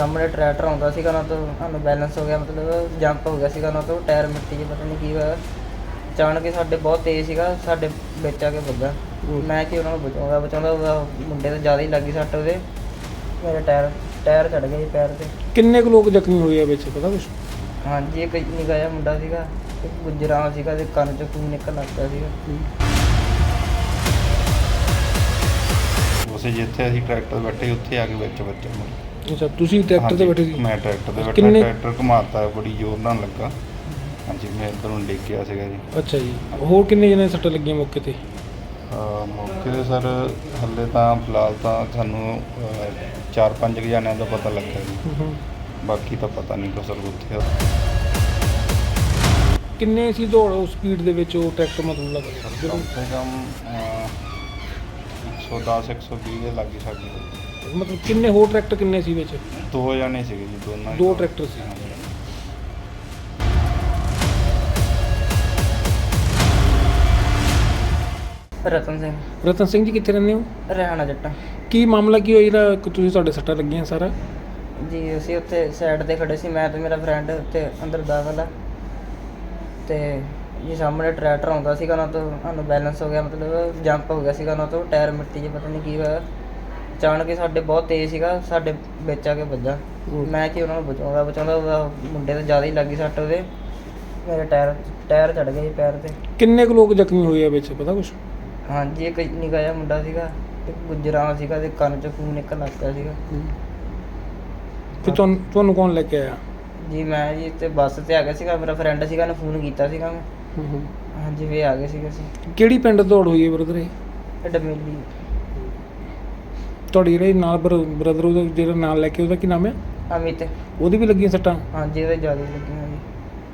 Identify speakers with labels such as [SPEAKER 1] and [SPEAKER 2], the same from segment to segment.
[SPEAKER 1] ਸਾਹਮਣੇ ਟਰੈਕਟਰ ਆਉਂਦਾ ਸੀਗਾ ਨਾ, ਤੋਂ ਸਾਨੂੰ ਬੈਲੈਂਸ ਹੋ ਗਿਆ, ਮਤਲਬ ਜੰਪ ਹੋ ਗਿਆ ਸੀਗਾ ਨਾ, ਤੋਂ ਟਾਇਰ ਮਿੱਟੀ 'ਚ ਪਤਾ ਨਹੀਂ ਕੀ ਹੋਇਆ। ਅਚਾਨਕ ਹੀ ਸਾਡੇ ਬਹੁਤ ਤੇਜ਼ ਸੀਗਾ, ਸਾਡੇ ਵਿੱਚ ਆ ਕੇ ਵੱਜਾ। ਮੈਂ ਕਿ ਉਹਨਾਂ ਨੂੰ ਬਚਾਉਂਦਾ ਉਹਦਾ ਮੁੰਡੇ ਤੇ ਜ਼ਿਆਦਾ ਹੀ ਲੱਗੀ ਸੱਟ, ਉਹਦੇ ਮੇਰੇ ਟਾਇਰ ਚੜ੍ਹ ਗਿਆ ਜੀ ਪੈਰ 'ਤੇ।
[SPEAKER 2] ਕਿੰਨੇ ਕੁ ਲੋਕ ਜ਼ਖਮੀ ਹੋਏ ਆ ਵਿੱਚ, ਪਤਾ ਕੁਛ?
[SPEAKER 1] ਹਾਂਜੀ, ਇੱਕ ਨਿੱਕਾ ਜਿਹਾ ਮੁੰਡਾ ਸੀਗਾ, ਇੱਕ ਗੁੱਜਰਾਂ ਸੀਗਾ, ਤੇ ਕੰਨ 'ਚੋਂ ਖੂਨ ਨਿਕਲਣ ਲੱਗ ਪਿਆ ਸੀਗਾ।
[SPEAKER 3] ਉਸੇ ਜਿੱਥੇ ਅਸੀਂ ਟਰੈਕਟਰ ਬੈਠੇ ਉੱਥੇ ਆ ਕੇ ਵਿੱਚ ਬੱਚਾ ਮਰ।
[SPEAKER 2] ਅੱਛਾ, ਤੁਸੀਂ ਟਰੈਕਟਰ ਤੇ ਬੈਠੇ ਸੀ?
[SPEAKER 3] ਮੈਂ ਟਰੈਕਟਰ ਤੇ ਬੈਠਾ,
[SPEAKER 2] ਕਿੰਨੇ-
[SPEAKER 3] ਟਰੈਕਟਰ ਘੁਮਾਤਾ, ਬੜੀ ਜ਼ੋਰ ਨਾਲ ਲੱਗਾ। ਹਾਂਜੀ, ਮੈਂ ਇੱਧਰ ਨੂੰ ਡਿੱਗ ਗਿਆ ਸੀਗਾ ਜੀ।
[SPEAKER 2] ਅੱਛਾ ਜੀ, ਹੋਰ ਕਿੰਨੇ ਜਣੇ ਸੱਟਾਂ ਲੱਗੀਆਂ ਮੌਕੇ ਤੇ?
[SPEAKER 3] ਮੌਕੇ 'ਤੇ ਸਰ ਹਾਲੇ ਤਾਂ ਫਿਲਹਾਲ ਤਾਂ ਸਾਨੂੰ 4-5 ਜਣਿਆਂ ਦਾ ਪਤਾ ਲੱਗਾ ਜੀ, ਬਾਕੀ ਤਾਂ ਪਤਾ ਨਹੀਂ ਕੋ ਸਰ ਉੱਥੇ।
[SPEAKER 2] ਕਿੰਨੇ ਸੀ ਦੌੜ ਉਸ ਸਪੀਡ ਦੇ ਵਿੱਚ ਉਹ ਟਰੈਕਟਰ, ਮਤਲਬ ਲੱਗਾ?
[SPEAKER 3] ਕਮ ਸੇ ਕਮ 110-120 ਦੇ ਲਾਗੇ ਸਾਡੀ।
[SPEAKER 2] ਮਤਲਬ ਕਿੰਨੇ ਹੋਰ ਟਰੈਕਟਰ ਕਿੰਨੇ ਸੀ ਵਿੱਚ?
[SPEAKER 3] 2 ਜਣੇ ਸੀਗੇ ਜੀ, ਦੋਨਾਂ
[SPEAKER 2] ਦੋ ਟਰੈਕਟਰ ਸੀ।
[SPEAKER 3] ਹਾਂਜੀ।
[SPEAKER 2] ਰਤਨ ਸਿੰਘ ਜੀ, ਕਿੱਥੇ ਰਹਿੰਦੇ ਹੋ?
[SPEAKER 1] ਰਹਿਣਾ ਜੱਟਾਂ
[SPEAKER 2] ਕੀ ਮਾਮਲਾ ਕੀ ਹੋਇਆ ਜਿਹੜਾ ਤੁਸੀਂ ਤੁਹਾਡੇ ਸੱਟਾਂ ਲੱਗੀਆਂ ਸਾਰਾ?
[SPEAKER 1] ਜੀ। ਅਸੀਂ ਉੱਥੇ ਸਾਈਡ 'ਤੇ ਖੜੇ ਸੀ, ਮੈਂ ਤੇ ਮੇਰਾ ਫਰੈਂਡ ਉੱਥੇ ਅੰਦਰ ਦਾਖਲ ਆ, ਤੇ ਜੀ ਸਾਹਮਣੇ ਟਰੈਕਟਰ ਆਉਂਦਾ ਸੀਗਾ ਨਾ, ਤੋਂ ਸਾਨੂੰ ਬੈਲੈਂਸ ਹੋ ਗਿਆ, ਮਤਲਬ ਜੰਪ ਹੋ ਗਿਆ ਸੀਗਾ ਨਾ, ਤੋਂ ਟਾਇਰ ਮਿੱਟੀ 'ਚ ਪਤਾ ਨਹੀਂ ਕੀ ਹੋਇਆ। ਅਚਾਨਕ ਹੀ ਸਾਡੇ ਬਹੁਤ ਤੇਜ਼ ਸੀਗਾ, ਸਾਡੇ ਵਿੱਚ ਆ ਕੇ ਵੱਜਾ। ਮੈਂ ਕਿ ਉਹਨਾਂ ਨੂੰ ਬਚਾਉਂਦਾ ਉਹਦਾ ਮੁੰਡੇ ਤੇ ਜ਼ਿਆਦਾ ਹੀ ਲੱਗੀ ਸੱਟ, ਉਹਦੇ ਮੇਰੇ ਟਾਇਰ ਚੜ੍ਹ ਗਿਆ ਜੀ ਪੈਰ 'ਤੇ।
[SPEAKER 2] ਕਿੰਨੇ ਕੁ ਲੋਕ ਜ਼ਖਮੀ ਹੋਏ ਆ ਵਿੱਚ, ਪਤਾ ਕੁਛ?
[SPEAKER 1] ਹਾਂਜੀ, ਇੱਕ ਨਿੱਕਾ ਜਿਹਾ ਮੁੰਡਾ ਸੀਗਾ, ਇੱਕ ਗੁੱਜਰਾਂ ਸੀਗਾ, ਤੇ ਕੰਨ 'ਚੋਂ ਖੂਨ ਨਿਕਲਣ ਲੱਗ ਪਿਆ ਸੀਗਾ।
[SPEAKER 2] ਫਿਰ ਤੁਹਾਨੂੰ ਕੌਣ ਲੈ ਕੇ ਆਇਆ?
[SPEAKER 1] ਜੀ ਮੈਂ ਜੀ ਤੇ ਬੱਸ 'ਤੇ ਆ ਗਿਆ ਸੀਗਾ, ਮੇਰਾ ਫਰੈਂਡ ਸੀਗਾ, ਉਹਨੇ ਫੋਨ ਕੀਤਾ ਸੀਗਾ ਮੈਂ। ਹਾਂਜੀ, ਵੀ ਆ ਗਏ ਸੀਗੇ ਅਸੀਂ।
[SPEAKER 2] ਕਿਹੜੀ ਪਿੰਡ ਦੌੜ ਹੋਈ ਹੈ ਬ੍ਰਦਰ ਇਹ?
[SPEAKER 1] ਇਹ ਡਮੇਲੀ।
[SPEAKER 2] ਤੁਹਾਡੀ ਜਿਹੜੇ ਨਾਲ ਬ੍ਰਦਰ ਉਹਦਾ ਜਿਹੜਾ ਨਾਲ ਲੈ ਕੇ, ਉਹਦਾ ਕੀ ਨਾਮ ਹੈ?
[SPEAKER 1] ਅਮਿਤ।
[SPEAKER 2] ਉਹਦੀ ਵੀ ਲੱਗੀਆਂ ਸੱਟਾਂ?
[SPEAKER 1] ਹਾਂਜੀ, ਉਹਦੇ ਜ਼ਿਆਦਾ ਹੀ ਲੱਗੀਆਂ ਜੀ।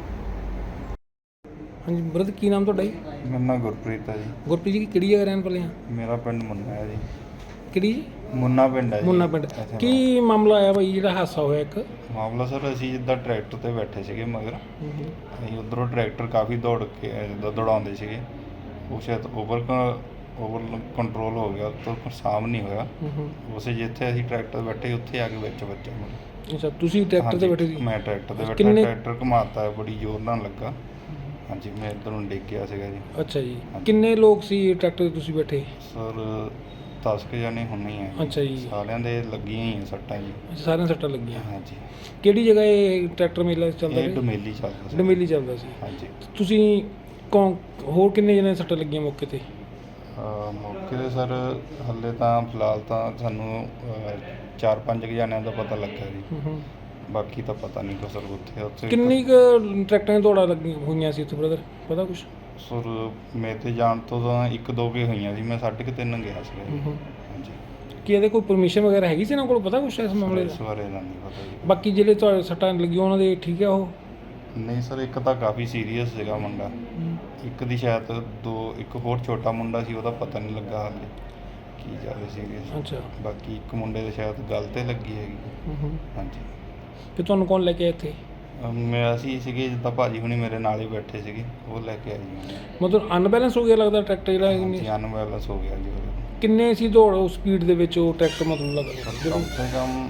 [SPEAKER 2] ਹਾਂਜੀ ਬ੍ਰਦਰ, ਕੀ ਨਾਮ ਤੁਹਾਡਾ ਜੀ?
[SPEAKER 3] ਮੇਰਾ ਨਾਮ ਗੁਰਪ੍ਰੀਤ ਹੈ ਜੀ।
[SPEAKER 2] ਗੁਰਪ੍ਰੀਤ ਜੀ, ਕਿਹੜੀ ਜਗ੍ਹਾ ਰਹਿਣ ਵਾਲੇ ਆ?
[SPEAKER 3] ਮੇਰਾ ਪਿੰਡ ਮੁੰਨਾ ਹੈ ਜੀ।
[SPEAKER 2] ਕਿਹੜੀ ਜੀ?
[SPEAKER 3] ਮੁੰਨਾ ਪਿੰਡ ਹੈ ਜੀ।
[SPEAKER 2] ਮੁੰਨਾ ਪਿੰਡ।
[SPEAKER 3] ਇੱਥੇ
[SPEAKER 2] ਕੀ ਮਾਮਲਾ ਆਇਆ ਬਾਈ ਜਿਹੜਾ ਹਾਦਸਾ ਹੋਇਆ ਇੱਕ?
[SPEAKER 3] ਮਾਮਲਾ ਸਰ, ਅਸੀਂ ਜਿੱਦਾਂ ਟਰੈਕਟਰ ਤੇ ਬੈਠੇ ਸੀਗੇ ਮਗਰ, ਅਸੀਂ ਉੱਧਰੋਂ ਟਰੈਕਟਰ ਕਾਫੀ ਦੌੜ ਕੇ ਜਿੱਦਾਂ ਦੌੜਾਉਂਦੇ ਸੀਗੇ, ਉਹ ਸ਼ਾਇਦ ਓਵਰ ਕੰਟਰੋਲ ਹੋ ਗਿਆ, ਤੋਂ ਸਾਮ ਨਹੀਂ ਹੋਇਆ। ਉਸੇ ਜਿੱਥੇ ਅਸੀਂ ਟਰੈਕਟਰ ਬੈਠੇ ਉੱਥੇ ਆ ਕੇ ਵਿੱਚ ਬੱਚਾ ਮਰ।
[SPEAKER 2] ਅੱਛਾ, ਤੁਸੀਂ ਟਰੈਕਟਰ ਤੇ ਬੈਠੇ ਸੀ?
[SPEAKER 3] ਮੈਂ ਟਰੈਕਟਰ ਤੇ ਬੈਠਾ,
[SPEAKER 2] ਕਿੰਨੇ-
[SPEAKER 3] ਟਰੈਕਟਰ ਘੁਮਾਤਾ, ਬੜੀ ਜ਼ੋਰ ਨਾਲ ਲੱਗਾ। ਹਾਂਜੀ, ਮੈਂ ਇੱਧਰ ਨੂੰ ਡਿੱਗ ਗਿਆ ਸੀਗਾ ਜੀ।
[SPEAKER 2] ਅੱਛਾ ਜੀ, ਕਿੰਨੇ ਲੋਕ ਸੀ ਟਰੈਕਟਰ ਤੇ ਤੁਸੀਂ ਬੈਠੇ?
[SPEAKER 3] ਸਰ 10 ਕੁ ਜਣੇ ਹੁੰਨੇ ਹੀ ਆ।
[SPEAKER 2] ਅੱਛਾ ਜੀ।
[SPEAKER 3] ਸਾਰਿਆਂ ਦੇ ਲੱਗੀਆਂ ਹੀ ਆ ਸੱਟਾਂ ਜੀ।
[SPEAKER 2] ਅੱਛਾ, ਸਾਰਿਆਂ ਨੂੰ ਸੱਟਾਂ ਲੱਗੀਆਂ।
[SPEAKER 3] ਹਾਂਜੀ।
[SPEAKER 2] ਕਿਹੜੀ ਜਗ੍ਹਾ ਇਹ ਟਰੈਕਟਰ ਮੇਲਾ ਚੱਲਦਾ
[SPEAKER 3] ਇਹ
[SPEAKER 2] ਸੀ?
[SPEAKER 3] ਡਮੇਲੀ ਚੱਲਦਾ ਸੀ।
[SPEAKER 2] ਡਮੇਲੀ ਚੱਲਦਾ ਸੀ।
[SPEAKER 3] ਹਾਂਜੀ।
[SPEAKER 2] ਤੁਸੀਂ ਹੋਰ ਕਿੰਨੇ ਜਣੇ ਸੱਟਾਂ ਲੱਗੀਆਂ ਮੌਕੇ ਤੇ?
[SPEAKER 3] ਮੌਕੇ 'ਤੇ ਸਰ ਹਾਲੇ ਤਾਂ ਫਿਲਹਾਲ ਤਾਂ ਸਾਨੂੰ 4-5 ਜਣਿਆਂ ਦਾ ਪਤਾ ਲੱਗਾ ਜੀ, ਬਾਕੀ ਤਾਂ ਪਤਾ ਨਹੀਂ ਕੋ ਸਰ ਉੱਥੇ।
[SPEAKER 2] ਕਿੰਨੀ ਕੁ ਟਰੈਕਟਰਾਂ ਦੀਆਂ ਦੌੜਾਂ ਲੱਗੀਆਂ ਹੋਈਆਂ ਸੀ ਉੱਥੇ ਬ੍ਰਦਰ, ਪਤਾ ਕੁਛ?
[SPEAKER 3] ਸਰ ਮੇਰੇ ਤੇ ਜਾਣ ਤੋਂ ਤਾਂ 1-2 ਕੇ ਹੋਈਆਂ ਸੀ, ਮੈਂ 3.5 ਗਿਆ ਸੀ। ਹਾਂਜੀ।
[SPEAKER 2] ਕੀ ਇਹਦੇ ਕੋਈ ਪਰਮਿਸ਼ਨ ਵਗੈਰਾ ਹੈਗੀ ਸੀ ਇਹਨਾਂ ਕੋਲ, ਪਤਾ ਕੁਛ ਇਸ ਮਾਮਲੇ
[SPEAKER 3] ਇਸ
[SPEAKER 2] ਦਾ?
[SPEAKER 3] ਬਾਰੇ ਤਾਂ ਨਹੀਂ ਪਤਾ ਜੀ।
[SPEAKER 2] ਬਾਕੀ ਜਿਹੜੇ ਤੁਹਾਡੇ ਸੱਟਾਂ ਲੱਗੀਆਂ ਉਹਨਾਂ ਦੇ ਠੀਕ ਆ ਉਹ?
[SPEAKER 3] ਨਹੀਂ ਸਰ, ਇੱਕ ਤਾਂ ਕਾਫੀ ਸੀਰੀਅਸ ਸੀਗਾ ਮੁੰਡਾ, ਇੱਕ ਦੀ ਸ਼ਾਇਦ ਇੱਕ ਹੋਰ ਛੋਟਾ ਮੁੰਡਾ ਸੀ, ਉਹਦਾ ਪਤਾ ਨਹੀਂ ਲੱਗਾ ਹਾਲੇ ਕੀ ਜ਼ਿਆਦਾ ਸੀਰੀਅਸ।
[SPEAKER 2] ਅੱਛਾ।
[SPEAKER 3] ਬਾਕੀ ਇੱਕ ਮੁੰਡੇ ਦੇ ਸ਼ਾਇਦ ਗੱਲ 'ਤੇ ਲੱਗੀ ਹੈਗੀ। ਹਾਂਜੀ।
[SPEAKER 2] ਫਿਰ ਤੁਹਾਨੂੰ ਕੌਣ ਲੈ ਕੇ ਆਇਆ ਇੱਥੇ?
[SPEAKER 3] ਅਸੀਂ ਸੀਗੇ ਜਿੱਦਾਂ ਭਾਜੀ ਹੁਣੀ ਮੇਰੇ ਨਾਲ ਹੀ ਬੈਠੇ ਸੀਗੇ, ਉਹ ਲੈ ਕੇ ਆਏ ਜੀ।
[SPEAKER 2] ਮਤਲਬ ਅਨਬੈਲੈਂਸ ਹੋ ਗਿਆ ਲੱਗਦਾ ਟਰੈਕਟਰ ਜਿਹੜਾ?
[SPEAKER 3] ਹਾਂਜੀ, ਅਨਬੈਲੈਂਸ ਹੋ ਗਿਆ ਜੀ ਉਹਦੇ।
[SPEAKER 2] ਕਿੰਨੇ ਸੀ ਦੌੜ ਉਸ ਸਪੀਡ ਦੇ ਵਿੱਚ ਉਹ ਟਰੈਕਟਰ, ਮਤਲਬ ਲੱਗਦਾ?
[SPEAKER 3] ਕਮ ਸੇ ਕਮ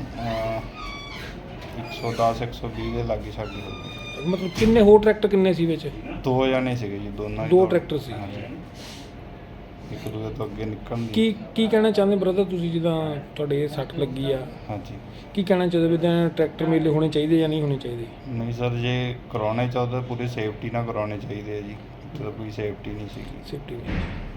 [SPEAKER 3] 110-120 ਦੇ ਲਾਗੇ ਸਾਡੀ ਹੋ ਗਈ।
[SPEAKER 2] ਮਤਲਬ ਕਿੰਨੇ ਹੋਰ ਟਰੈਕਟਰ ਕਿੰਨੇ ਸੀ ਵਿੱਚ?
[SPEAKER 3] 2 ਜਣੇ ਸੀਗੇ ਜੀ, ਦੋਨਾਂ
[SPEAKER 2] ਦੋ ਟਰੈਕਟਰ ਸੀ।
[SPEAKER 3] ਹਾਂਜੀ। ਇੱਕ ਦੂਜੇ ਤੋਂ ਅੱਗੇ ਨਿਕਲਣ ਦੀ।
[SPEAKER 2] ਕੀ ਕਹਿਣਾ ਚਾਹੁੰਦੇ ਬ੍ਰਦਰ ਤੁਸੀਂ, ਜਿੱਦਾਂ ਤੁਹਾਡੇ ਸੱਟ ਲੱਗੀ ਆ?
[SPEAKER 3] ਹਾਂਜੀ।
[SPEAKER 2] ਕੀ ਕਹਿਣਾ ਚਾਹੁੰਦੇ ਵੀ ਤਾਂ ਟਰੈਕਟਰ ਮੇਲੇ ਹੋਣੇ ਚਾਹੀਦੇ ਜਾਂ ਨਹੀਂ ਹੋਣੇ ਚਾਹੀਦੇ?
[SPEAKER 3] ਨਹੀਂ ਸਰ, ਜੇ ਕਰਾਉਣੇ ਚਾਹੁੰਦੇ ਪੂਰੀ ਸੇਫਟੀ ਨਾਲ ਕਰਾਉਣੇ ਚਾਹੀਦੇ ਆ ਜੀ, ਇੱਥੇ ਤਾਂ ਕੋਈ ਸੇਫਟੀ ਨਹੀਂ ਸੀਗੀ।
[SPEAKER 2] ਸੇਫਟੀ